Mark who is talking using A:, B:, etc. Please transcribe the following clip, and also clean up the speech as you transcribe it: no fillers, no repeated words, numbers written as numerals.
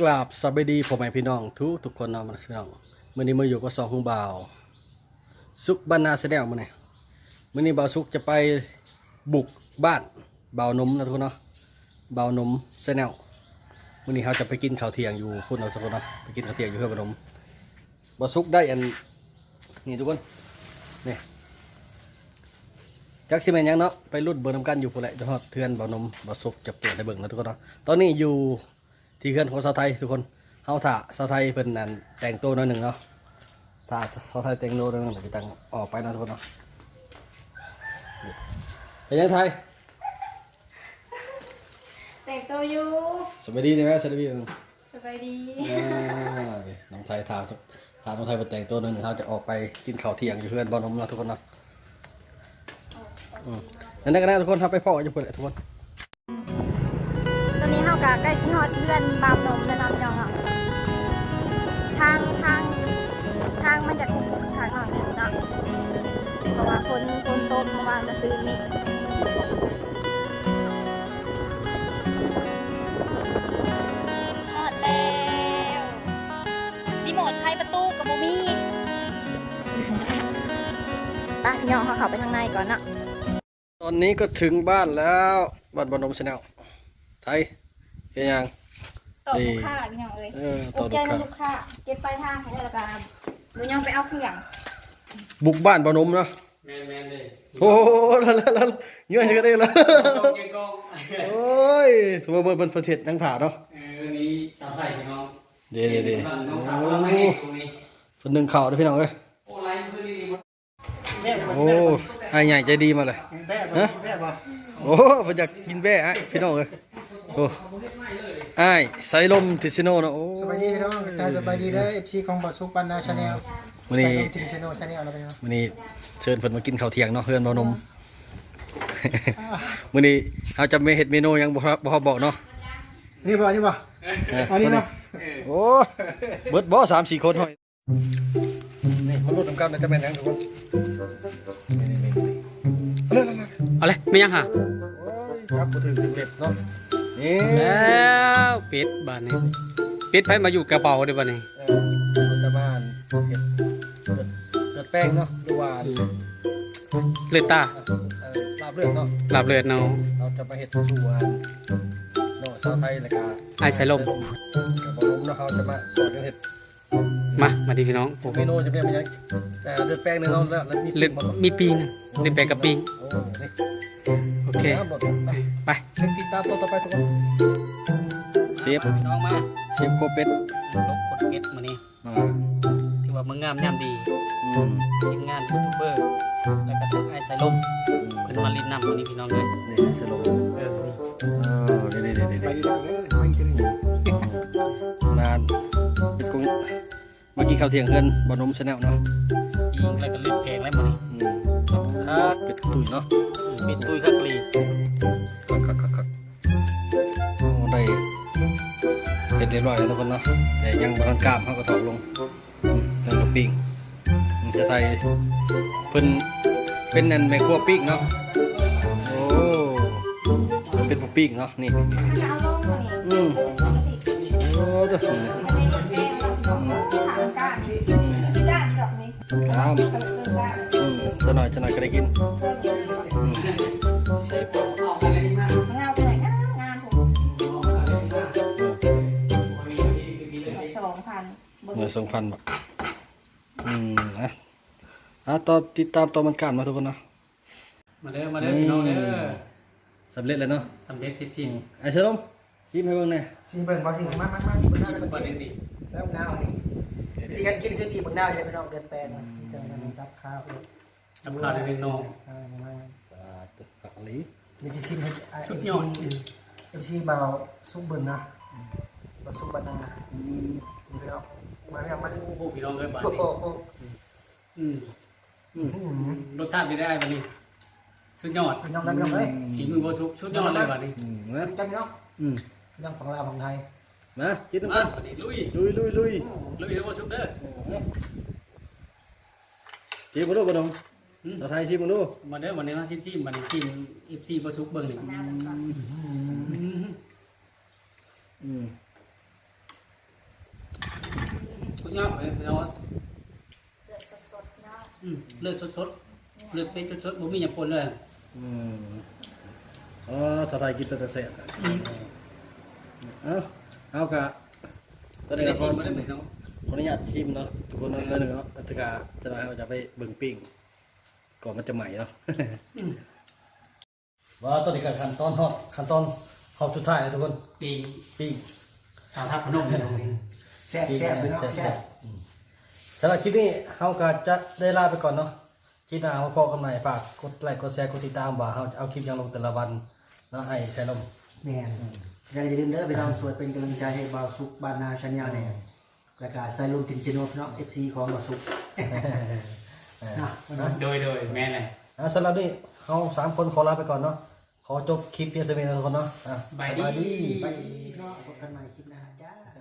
A: ราบสวัสดีพ่อแม่พี่น้องทุกคนเนาะพี่น้องมื้อนี้มาอยู่กับสองของบ่าวสุกบ้านนาแสดงมื้อนี้บ่าวสุกจะไปบุกบ้านบ่าวนมนะทุกคนเนาะบ่าวนมแสดงมื้อนี้เขาจะไปกินข้าวเที่ยงอยู่พุ่นเอาทุกคนเนาะไปกินข้าวเที่ยงอยู่เพื่อนบ่าวนมบ่าวสุกได้อันนี่ทุกคนนี่จักสิแม่นหยังเนาะไปรุ่นเบิ่งนำกันอยู่พุ่นแหละจะฮอดเทือนบ่าวนมบ่าวสุกจะเปิดให้เบิ่งนะทุกคนเนาะตอนนี้อยู่ที่เขื่อนของชาวไทยทุกคนเฮาถ่าชาวไทยเป็นนั่นแต่งตัวหน่อยหนึ่งเนาะถ่าชาวไทยแต่งตัวหน่อยหนึ่งเดี๋ยวตั้งออกไปนะทุกคนเนาะเป็นยังไงไทย
B: แต่งตัวอยู่
A: สบายดีไหมสบายดี
B: สบายดี
A: น้องไทยถ่าน้องไทยเป็นแต่งตัวหนึ่งเขาจะออกไปกินข้าวเที่ยงอยู่เพื่อนบ่อนมเนาะทุกคนเนาะนั่นก็ได้ทุกคนครับไปพ่ออยู่เพื่อนทุกคน
B: ตอนนี้เฮากะใกล้ชิฮอดเพื่อนบาวนมแล้วเนาะพี่น้องเนาะทางมันจะคุ้มทางหน่อยหนึ่งเนาะเพราะว่าฝนตกเมื่อวานจะซื้อนี่ฮอดแล้วรีโมทไขประตูกับโมมี่ไปพี่น้องเขาเข้าไปทางในก่อนเนาะ
A: ตอนนี้ก็ถึงบ้านแล้วบ้านบ่อนมชาแนลไทยเฮียยัง
B: ต่อลูกค้าพี่น้องเอ้ย
A: ต่อ
B: ลูกค้าเก็บไปทางให้แล้วก็หนูยังไปเอาเครื่อง
A: บุกบ้านบ่อนมเนาะ
C: แมนเลย
A: โอ้โหแล้วเยอะจังก็ได้แล้วโอ้ยสมมติเป็นประเทศนั่งถ่าเนาะ
C: นี้สาวไทยพี่น้อง
A: เดี๋ยว
C: น้องสาวเราไม่ให้ตรงนี้
A: คนหนึ่งข่าวด้วยพี่น้องเอ้ย
C: โอ้ไลฟ์พื้นนี่
A: โอ้ไอ้ใหญ่ใจดีมาเลยฮะโอ้ผมอยากกินแบ่ไอ้พี่น้องเอ้ยโอ้ไอ้ไซลมติซิโนเนาะโอ้
D: สบายดีพี่น้องสบายดีเด้อ FC ของบ่สุกบ้านนาชาแนล
A: มื้อนี้
D: ติซิโนชาแนลแล้วพี่น้อง
A: มื้อนี้เชิญเพิ่นมากินข้าวเที่ยงเนาะเพื่อนบ่นมมื้อนี้เฮาจะไม่เฮ็ดเมนูหยังบ่บอกเนาะ
D: นี่บ่อันนี้เนาะ
A: โอ้เบิดบ่3-4คนเฮานี่มาลุ้นนำกันจะแม่นหยังทุกคน
C: อะไรไม่ยังหา
A: ครับบ่ถึงเล็บเนาะนี่
C: แล้วเป็ดบ้านนี้เป็ดไผมาอยู่กระเป๋าเด้บ้านนี้
A: เราจะมาเฮ็ดเลือดแป้งเนาะหรือว่า
C: เลือดตา
A: ลาบเลือดเนาะ
C: ลาบเลือดเนาะ
A: เราจะมาเฮ็ดสู่เนาะชาวไทยแล้วก็
C: ไอ้สายลม
A: กับบ่ลมเนาะเขาจะมาสอนกันเฮ็ด
C: มาดิพี่น้อง
A: เมนูจะเป็นยังไงเลือดแป้งนึงเนาะแล้ว
C: เลือดมีปีนึงเลือดแป้งกับปีโอเคไป
A: ติดตามต่อไปทุกคนเชฟ
C: พี่น้องมา
A: เชฟโคเป็ด
C: ลบคนเก็ตมื้อนี้ที่ว่ามึงงามยามดีทีมงานยูทูบเบอร์แล้วก็ไอ้สายลมเพิ่นมาลิ้นน้ำมื้อนี้พี่น้องเอ้ย
A: นี่สายลมนี่นานกุ้งเมื่อกี้ข้าวเที่ยงเพื่อนบ่นมชาแนลเนาะ
C: ยิงแล้วก็เลือดแพงแล้วมื้อนี้
A: ครับเป็ดตุ๋ยเนาะ
C: เป็ดตุ๋ยคักลี
A: ครับได้เห็ดเรียบร้อยแล้วทุกคนเนาะแต่ยังบางกล้ามเขาก็ถอดลงตั้งตัวปิ้งจะใส่เพิ่นเป็นนั่นแม่ครัวปิ้งเนาะโอ้เป็นผู้ปิ้งเนาะนี่โอ้ตัวสุดเลยครับจะหน่อยก็ได้กินเมื่อ2,000 บาทนะตอนติดตามตอนมันการมาทุกคนนะ
C: มาเด้อพี่น้องเด้อ
A: สำเร็จแล้วเนาะ
C: สำเร็จจริง
A: ไอ้เชลมชิมให้เบิ่งหน่อย
D: ชิมเบิ่งบ่ชิมมาเบิ่งหน้ากันบ่ดีแล้วหน้านี่วิธีการกินคือดีเบิ่งหน้าใช่ไหมพี่น้องเดินแปลงจะรับข้าว
C: ได้เป็นน้อง
A: กับอะไร
D: มีสิชิมให้FC บ่าวสุกเบิ่งนะบ่สุกบ้านนาพี่น้องมา
C: โอ้โหพี่น้องเอ้ยบ้านนี้รสชาติเป็นได้บ้านนี้สุดยอด
D: พี่น้องกันพี่น้องเอ้ย
C: สีมือบ่สุกสุดยอดเลยบ้านนี้
D: จำพี่น้องพี่น้องฝั่งลาวฝั่งไทย
A: มากินกัน
C: บ้านนี้ลุยแล้วบ่สุกเด้อ
A: ชิมบ่ดูบ่ดงสาวไทยชิมบ่ดู
C: มาเด้อวันนี้มาชิมบัดนี้ชิม FC บ่สุกเบิ่งนี่สุดยอดเลยพี่น้อง
B: เลือดสดๆเนาะ
C: เลือดสดๆเลือดเป็นสดๆบ่มีหยังปนเลย
A: อ๋อสไลด์กินตัวเสร็จเอากะตอนนี้
C: ได้
A: เรา
C: ชิมบ่ได้พี่น้อง
A: ขออนุญาตชิมเนาะทุกคนเนาะเนาะตะกาจะได้เราจะไปเบิ่งปิ้งก่อนมันจะใหม่เนาะว่าตอนนี้ก็ขั้นตอนฮอดขั้นตอนฮอดสุดท้ายเลยทุกคน
C: ปี
A: ปิ้ง
C: สาวทับพนมพี่น้อง
D: แซ่บแซ่บพี่น้องแซ่บ
A: สำหรับคลิปนี้เฮาก็จะได้ลาไปก่อนเนาะคลิปหน้ามาพบกันใหม่ฝากกดไลค์กดแชร์กดติดตามว่าเฮาจะเอาคลิปยังลงแต่ละวันเนาะให้ใช้ลม
D: แม่นอย่าลืมเด้อพี่น้องสวดเป็นกำลังใจให้บ่าวสุกบ้านนาชัญญาแน่แล้วก็ใส่ลมทิมชิโนพี่น้อง FC ของบ่าวสุกนะวันนี้
C: โดยแม่นเลย
A: สำหรับนี้เฮา3คนขอลาไปก่อนเนาะขอจบคลิปเพียงเท่านี้ทุกคนเนาะ
C: บายดี
A: บายดี
D: ไปก็พบกันใหม่คลิปหน้าจ้า